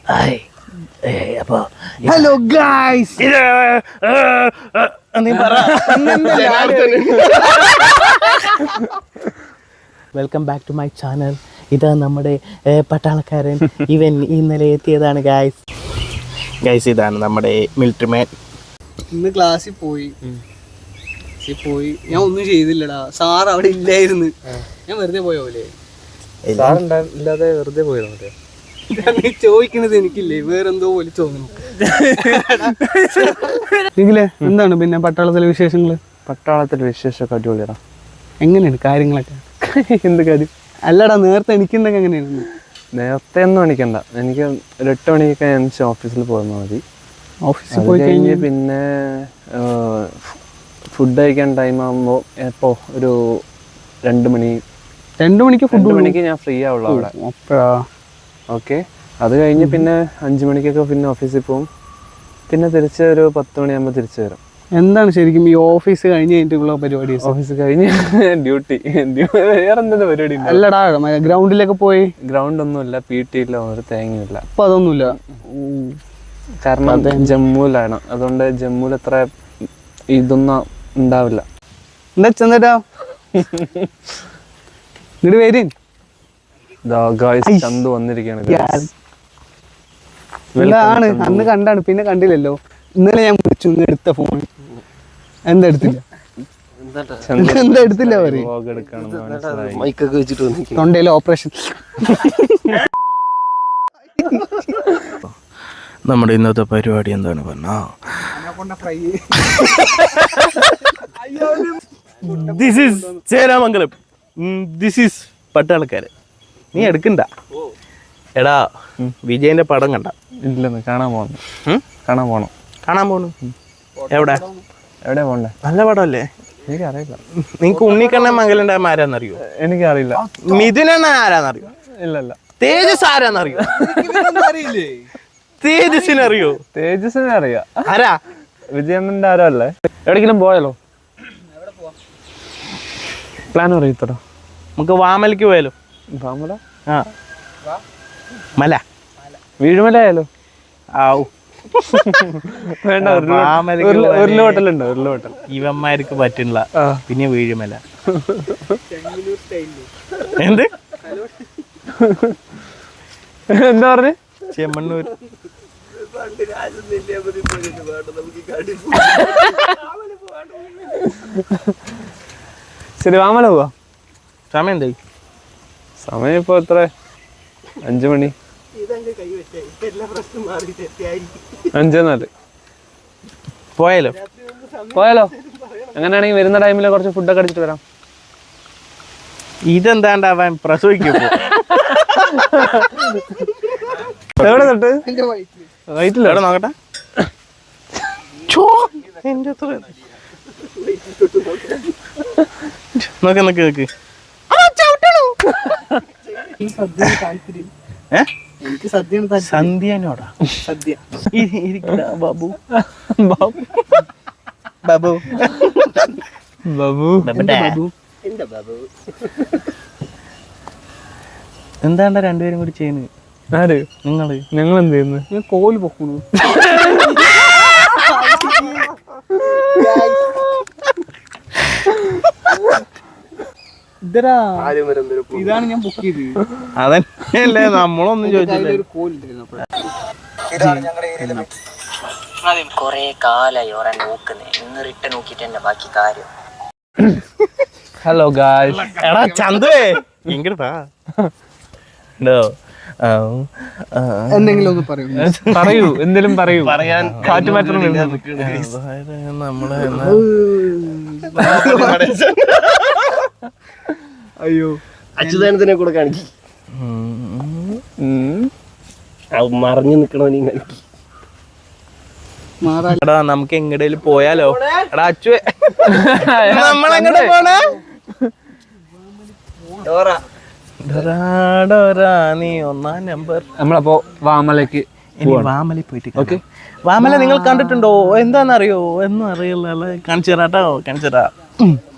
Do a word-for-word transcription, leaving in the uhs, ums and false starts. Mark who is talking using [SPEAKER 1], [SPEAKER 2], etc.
[SPEAKER 1] അപ്പൊ hello guys, welcome back to my channel. ഇതാ നമ്മുടെ പട്ടാളക്കാരൻ, ഇവൻ ഇന്നലെ എത്തിയതാണ് ഗായ്സ്. ഗായ്സ് ഇതാണ് നമ്മുടെ മിലിറ്ററി മാൻ.
[SPEAKER 2] ഇന്ന് ക്ലാസ്സിൽ പോയി പോയി ഞാൻ ഒന്നും ചെയ്തില്ലടാ. സാർ അവിടെ ഇല്ലായിരുന്നു. ഞാൻ വെറുതെ പോയ പോലെ.
[SPEAKER 1] ഇല്ലാതെ വെറുതെ പോയത്
[SPEAKER 2] ചോദിക്കണത് എനിക്കില്ലേ, വേറെന്തോ പോലെ തോന്നുന്നു. എങ്കിലേ എന്താണ് പിന്നെ പട്ടാളത്തിലെ വിശേഷങ്ങള്?
[SPEAKER 1] പട്ടാളത്തിലെ വിശേഷമൊക്കെ അടിപൊളിയാ.
[SPEAKER 2] എങ്ങനെയാണ് കാര്യങ്ങളൊക്കെ?
[SPEAKER 1] എന്ത് കാര്യം?
[SPEAKER 2] അല്ലടാ, നേരത്തെ എനിക്കുണ്ടൊക്കെ എങ്ങനെയാണ്?
[SPEAKER 1] നേരത്തെ ഒന്നും എണിക്കണ്ട. എനിക്ക് ഒരു എട്ട് മണിയൊക്കെ എനിക്ക് ഓഫീസിൽ പോയാൽ മതി.
[SPEAKER 2] ഓഫീസിൽ പോയി കഴിഞ്ഞ്
[SPEAKER 1] പിന്നെ ഫുഡ് കഴിക്കാൻ ടൈം ആകുമ്പോൾ എപ്പോൾ ഒരു രണ്ട് മണി
[SPEAKER 2] രണ്ടു മണിക്ക് ഫുഡ്
[SPEAKER 1] മണിക്ക് ഞാൻ ഫ്രീ ആവുള്ളൂ അവിടെ.
[SPEAKER 2] അപ്പോഴാ
[SPEAKER 1] ഓക്കെ. അത് കഴിഞ്ഞ് പിന്നെ അഞ്ച് മണിക്കൊക്കെ പിന്നെ ഓഫീസിൽ പോകും. പിന്നെ തിരിച്ച് ഒരു പത്ത് മണിയാകുമ്പോൾ തിരിച്ചു വരും.
[SPEAKER 2] എന്താണ് ശരിക്കും ഈ ഓഫീസ് കഴിഞ്ഞ് കഴിഞ്ഞിട്ടുള്ള പരിപാടി?
[SPEAKER 1] ഓഫീസ് കഴിഞ്ഞ് ഡ്യൂട്ടി വേറെ എന്തെങ്കിലും പരിപാടി?
[SPEAKER 2] അല്ലടാ, ഗ്രൗണ്ടിലൊക്കെ പോയി.
[SPEAKER 1] ഗ്രൗണ്ട് ഒന്നുമില്ല, പി ടി ഇല്ല, ഒരു തേങ്ങയില്ല.
[SPEAKER 2] അപ്പൊ അതൊന്നുമില്ല,
[SPEAKER 1] കാരണം ജമ്മുവിലാണ്. അതുകൊണ്ട് ജമ്മുവിൽ അത്ര ഇതൊന്നും ഉണ്ടാവില്ല.
[SPEAKER 2] എന്താ ചെന്നേട്ടാ ഇങ്ങോട്ട് വരും.
[SPEAKER 1] ചന്തു വന്നിരിക്കുകയാണ്.
[SPEAKER 2] ആണ് അന്ന് കണ്ടാണ്, പിന്നെ കണ്ടില്ലല്ലോ. ഇന്നലെ ഞാൻ വിളിച്ചു, ഇന്ന് എടുത്ത ഫോൺ എന്താ എടുത്തില്ല? എന്താ എടുത്തില്ല? അവര് തൊണ്ടയിലെ ഓപ്പറേഷൻ.
[SPEAKER 1] നമ്മുടെ ഇന്നത്തെ പരിപാടി എന്താണ് പറഞ്ഞാ, this is Cheramangalam, this is പട്ടാളക്കാരൻ. നീ എടുക്കണ്ട. എടാ, വിജയന്റെ പടം കണ്ട? ഇല്ലെന്ന്. കാണാൻ പോകണം. കാണാൻ പോകണം. കാണാൻ പോണു. എവിടെ എവിടെ പോണ്ടേ? നല്ല പടമല്ലേ? എനിക്കറിയില്ല. നിങ്ങക്ക് ഉണ്ണിക്കണ്ണൻ മംഗലം ആരാന്നറിയോ? എനിക്കറിയില്ല. മിഥുനണ്ണ ആരാന്നറിയോ? ഇല്ലല്ല. തേജസ് ആരാന്നറിയോ? തേജസിനറിയോ? തേജസിനെ അറിയാം. ആരാ? വിജയണ്ണന്റെ ആരോ അല്ലേ? എവിടെങ്കിലും പോയാലോ? പ്ലാൻ അറിയത്തോ? നമുക്ക് വാമലക്ക് പോയാലോ? വാമല? ആ, മല. വീഴുമല ആയാലോ? ആവൂ. വേണ്ട, ഉരുള് ഹോട്ടലുണ്ടോ? ഉരുള് ഹോട്ടൽ ഇവന്മാർക്ക് പറ്റില്ല. പിന്നെ വീഴുമല. എന്ത് എന്താ പറഞ്ഞ്? ചെമ്മണ്ണൂർ. ശരി, വാമല പോവാ. സമയം എന്തായി? സമയം ഇപ്പൊ എത്ര? അഞ്ചു മണി. അഞ്ചെന്നാല് പോയാലോ? പോയാലോ? അങ്ങനെയാണെങ്കിൽ വരുന്ന ടൈമിൽ കുറച്ച് ഫുഡൊക്കെ അടിച്ചിട്ട് വരാം. ഇതെന്താണ്ടാവാൻ പ്രസവിക്കും. എവിടെ തൊട്ട്? വയറ്റില്ല. എവിടെ നോക്കട്ടെ. നോക്ക് നോക്ക് നോക്ക്.
[SPEAKER 2] എനിക്ക് സദ്യ
[SPEAKER 1] സന്ധ്യനോടാ
[SPEAKER 2] സദ്യ.
[SPEAKER 1] ബാബു ബാബു ബാബു ബാബു ബാബു എന്താണ്ടാ രണ്ടുപേരും കൂടി ചെയ്യുന്നത്? ആര്? നിങ്ങള്. ഞങ്ങൾ എന്ത് ചെയ്യുന്നു? ഞാൻ കോല് പൊക്കുന്നു.
[SPEAKER 2] ഇതാണ് ഞാൻ ബുക്ക് ചെയ്തത്.
[SPEAKER 1] അതല്ലേ നമ്മളൊന്നും ചോദിച്ചില്ല.
[SPEAKER 3] കൊറേ കാലായി ഓരോ നോക്കുന്നേ. ഇന്ന് റിട്ടേൺ നോക്കിട്ട് എന്റെ ബാക്കി കാര്യം.
[SPEAKER 1] Hello guys. എടാ ചന്തുവേ, ഇങ്ങോട്ടാ.
[SPEAKER 2] എന്തെങ്കിലും ഒന്ന് പറയൂ.
[SPEAKER 1] പറയൂ, എന്തെങ്കിലും പറയൂ. പറയാൻ കാറ്റ് മാറ്റണം. നമ്മള്
[SPEAKER 2] അയ്യോ,
[SPEAKER 4] അച്യുതാനന്ദനെ കൂടെ കാണിക്കും. മറിഞ്ഞു നിക്കണോ നീ?
[SPEAKER 1] എടാ, നമുക്ക് എങ്ങടേലും പോയാലോ? എടാ അച്ചു, നമ്മളെങ്ങടെ പോണേ? നീ ഒന്നാം നമ്പർ. നമ്മളപ്പോ വാമലക്ക് ഇനി വാമല പോയിട്ട്. ഓക്കെ, വാമല നിങ്ങൾ കണ്ടിട്ടുണ്ടോ? എന്താന്നറിയോ? എന്നും അറിയില്ല. കാണിച്ചു തരാട്ടോ, കാണിച്ചു തരാം.